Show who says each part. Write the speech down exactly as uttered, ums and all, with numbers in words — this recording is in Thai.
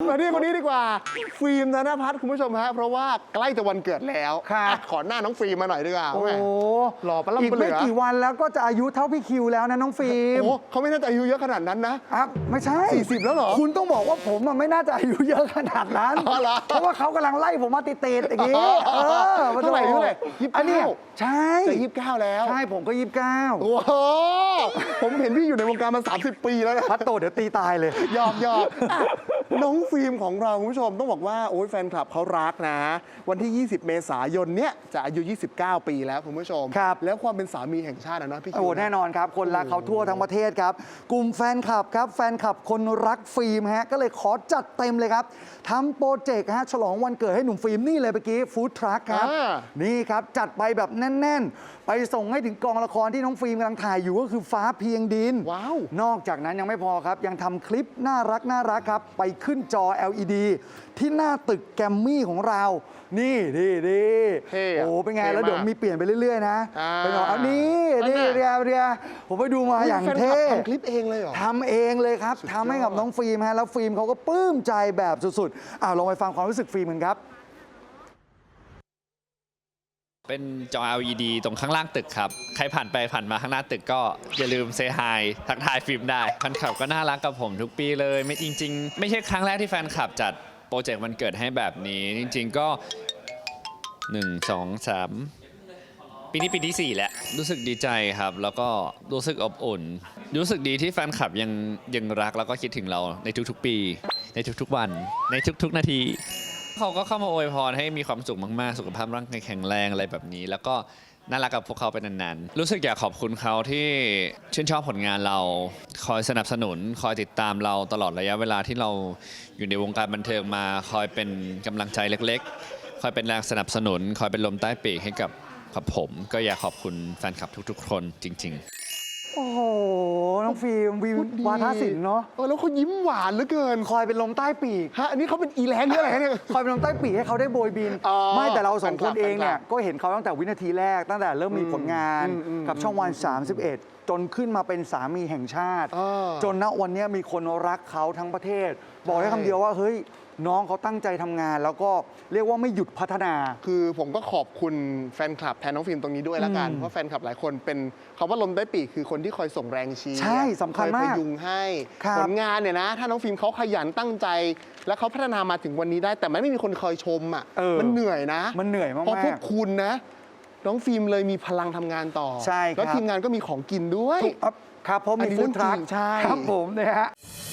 Speaker 1: มาที่คนนี้ดีกว่าฟิล์มธนภัทรคุณผู้ชมฮะเพราะว่าใกล้จะวันเกิดแล้วขอหน้าน้องฟิล์มมาหน่อยดีกว่าโอ้หล่อปะล่ำปะเหลือ
Speaker 2: อีกไม่กี่วันแล้วก็จะอายุเท่าพี่คิวแล้วนะน้องฟิล์ม
Speaker 1: โอ้เขาไม่น่าจะอายุเยอะขนาดนั้นนะครับ
Speaker 2: ไม่ใช่
Speaker 1: สี่สิบแล้วเหรอ
Speaker 2: คุณต้องบอกว่าผมไม่น่าจะอายุเยอะขนาดนั้นเพราะว่าเขากำลังไล่ผมมาติดๆอย่างนี้เออ
Speaker 1: เท่าไหร่เท่าไหร่ยี่สิบเก้า
Speaker 2: ใช่
Speaker 1: จะยี่สิบเก้าแล้ว
Speaker 2: ใช่ผมก็ยี่สิบเก้า
Speaker 1: โอ้โหผมเห็นพี่อยู่ในวงการมาสามสิบปีแล้วนะ
Speaker 2: พัดโตเดี๋ยวตีตายเลย
Speaker 1: ยอกยอกน้องฟิล์มของเราคุณผู้ชมต้องบอกว่าโอ้ยแฟนคลับเขารักนะวันที่ยี่สิบเมษายนเนี้ยจะอายุยี่สิบเก้าปีแล้วคุณผู้ชม
Speaker 2: ครับ
Speaker 1: แล้วความเป็นสามีแห่งชาตินะพี่คิว
Speaker 2: โอ้แน่นอนครับคนรักเขาทั่วทั้งประเทศครับกลุ่มแฟนคลับครับแฟนคลับคนรักฟิล์มฮะก็เลยขอจัดเต็มเลยครับทำโปรเจกต์ฮะฉลองวันเกิดให้หนุ่มฟิล์มนี่เลยเมื่อกี้ฟู้ดทรัคครับนี่ครับจัดไปแบบแน่นๆไปส่งให้ถึงกองละครที่น้องฟิล์มกำลังถ่ายอยู่ก็คือฟ้าเพียงดิน
Speaker 1: ว้าวน
Speaker 2: อกจากนั้นยังไม่พอครับยังทำคลิปน่ารักน่ารักครับไปขึ้นจอ แอล อี ดี ที่หน้าตึกแกรมมี่ของเรานี่นี่นี่โอ้เป็นไงแล้วเดี๋ยวมีเปลี่ยนไปเรื่อยๆนะไปหน่อยอันนี้นี่เรียเรียผมไปดูมาอย่างเท่
Speaker 1: ทำคลิปเองเลยเหรอ
Speaker 2: ทำเองเลยครับทำให้กับน้องฟิล์มฮะแล้วฟิล์มเขาก็ปลื้มใจแบบสุดๆอ้าวลองไปฟังความรู้สึกฟิล์มกันครับ
Speaker 3: เป็นจอ แอล อี ดี ตรงข้างล่างตึกครับใครผ่านไปผ่านมาข้างหน้าตึกก็อย่าลืมเซฮายทักทายฟิล์มได้แฟนคลับก็น่ารักกับผมทุกปีเลยไม่จริงๆไม่ใช่ครั้งแรกที่แฟนคลับจัดโปรเจกต์วันเกิดให้แบบนี้จริงๆก็หนึ่ง สอง สามปีนี้ปีที่สี่แล้วรู้สึกดีใจครับแล้วก็รู้สึกอบอุ่นรู้สึกดีที่แฟนคลับยังยังรักแล้วก็คิดถึงเราในทุกๆปีในทุกๆวันในทุกๆนาทีเขาก็เข้ามาอวยพรให้มีความสุขมากๆสุขภาพร่างกายแข็งแรงอะไรแบบนี้แล้วก็น่ารักกับพวกเขาเป็นนานๆรู้สึกอยากขอบคุณเขาที่ชื่นชอบผลงานเราคอยสนับสนุนคอยติดตามเราตลอดระยะเวลาที่เราอยู่ในวงการบันเทิงมาคอยเป็นกำลังใจเล็กๆคอยเป็นแรงสนับสนุนคอยเป็นลมใต้ปีกให้กับกับผมก็อยากขอบคุณแฟนคลับทุกๆคนจริงๆ
Speaker 2: โอ้โหน้องฟิล์มวิววาทศิลป์เนาะ
Speaker 1: เออแล้วเขายิ้มหวานเหลือเกิน
Speaker 2: คอยเป็นลมใต้ปีก
Speaker 1: ฮะอันนี้เขาเป็นอีแลนด์หรืออะไรเนี่ย
Speaker 2: คอยเป็นลมใต้ปีกให้เขาได้โบยบินไม่แต่เราสองคนเองเนี่ยก็เห็นเขาตั้งแต่วินาทีแรกตั้งแต่เริ่มมีผลงานกับช่องวันสามสิบเอ็ดจนขึ้นมาเป็นสามีแห่งชาติจนณวันนี้มีคนรักเขาทั้งประเทศบอกได้คำเดียวว่าเฮ้ยน้องเขาตั้งใจทำงานแล้วก็เรียกว่าไม่หยุดพัฒนา
Speaker 1: คือผมก็ขอบคุณแฟนคลับแทนน้องฟิล์มตรงนี้ด้วยละกันเพราะแฟนคลับหลายคนเป็นคำว่าลมใต้ปีกคือคนที่คอยส่งแรงเชียร์
Speaker 2: ใช่สำคัญมาก
Speaker 1: คอยพยุงให้ผลงานเนี่ยนะถ้าน้องฟิล์มเขาขยันตั้งใจและเขาพัฒนามาถึงวันนี้ได้แต่ไม่มีคนคอยชมอ่ะมันเหนื่อยนะ
Speaker 2: มันเหนื่อยมาก
Speaker 1: เพราะพวกคุณนะน้องฟิล์มเลยมีพลังทำงานต่อ
Speaker 2: ใช่
Speaker 1: แล้วทีมงานก็มีของกินด้วย
Speaker 2: ครับเพราะมีฟู้ดทรัค
Speaker 1: ใช่
Speaker 2: ครับผมนะฮะ